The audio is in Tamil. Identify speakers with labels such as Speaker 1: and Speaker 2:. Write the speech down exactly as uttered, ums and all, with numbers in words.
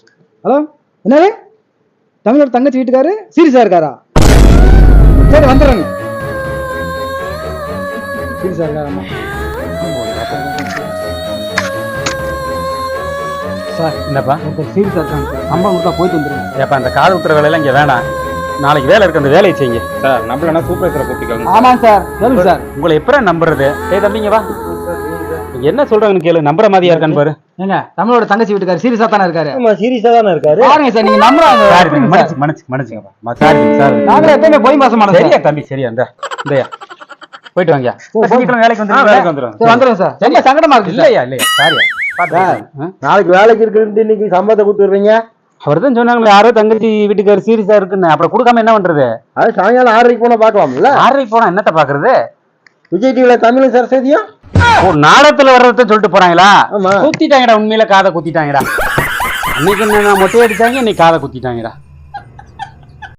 Speaker 1: ஹலோ, என்னது தமிழோட தங்கச்சி வீட்டுக்காரு சீரியஸா இருக்காரா? சரி வந்துடுறேங்க. சீரியஸா இருக்காராம்மா? சார்
Speaker 2: என்னப்பா
Speaker 1: சீரியஸா இருக்காங்க சார். சம்பளம் கொடுத்தா போயிட்டு வந்துடுங்க.
Speaker 2: ஏப்பா அந்த காது குத்துற வேலையெல்லாம் இங்கே வேணாம். நாளைக்கு வேலை இருக்கு, அந்த வேலையை செய்யுங்க சார். நம்மளா சூப்பர்வைசரை கூப்பிட்டுக்கோங்க.
Speaker 1: ஆமாம் சார், சொல்லுங்க சார்.
Speaker 2: உங்களை எப்படா நம்புறது? ஏய் தம்பிங்க வா, என்ன சொல்றாங்கன்னு கேளு. நம்புற மாதிரியா இருக்கான்னு பாரு.
Speaker 1: ஏங்க தமிழோட தங்கச்சி வீட்டுக்காரு சீரியஸா தானே இருக்காரு?
Speaker 3: ஆமா சீரியஸா தானே இருக்காரு.
Speaker 1: பாருங்க சார், நீங்க நம்புறாங்க.
Speaker 2: மன்னிச்சு மன்னிச்சு மன்னிச்சுங்கப்பா. சாரி சார்,
Speaker 1: நாங்களே எப்பவுமே போய் மாசமான
Speaker 2: சரியா தம்பி, சரியா இந்த இந்தயா போயிட்டு வாங்க. சீக்கிரம் வேலைக்கு வந்து வேலைக்கு வந்துடும்.
Speaker 1: சரி வந்துடுங்க சார். ரொம்ப சங்கடமா இருக்கு.
Speaker 2: இல்லையா இல்லையா சாரியா.
Speaker 3: நாளைக்கு வேலைக்கு இருக்குன்னு இன்னைக்கு சம்பளத்தை கொடுத்துடுறீங்க.
Speaker 2: அவர் தான் சொன்னாங்களே யாரோ தங்கச்சி வீட்டுக்காரு சீரியஸா இருக்குன்னு. அப்புறம் கொடுக்காம என்ன பண்றது?
Speaker 3: அது சாயங்காலம் ஆறரைக்கு போனா பாக்கலாம்ல.
Speaker 2: ஆறரைக்கு போனா என்னத்த பாக்குறது?
Speaker 3: விஜய் டிவில தமிழும் சரஸ்வதியும்
Speaker 2: ஒரு நாடகத்துல வர்றத சொல்லிட்டு போறாங்களா?
Speaker 3: ஆமா.
Speaker 2: குத்திட்டாங்கடா, உண்மையில காதை குத்திட்டாங்கடா. அன்னைக்கு என்ன மொட்டை அடிச்சாங்க, இன்னைக்கு காதை குத்திட்டாங்கடா.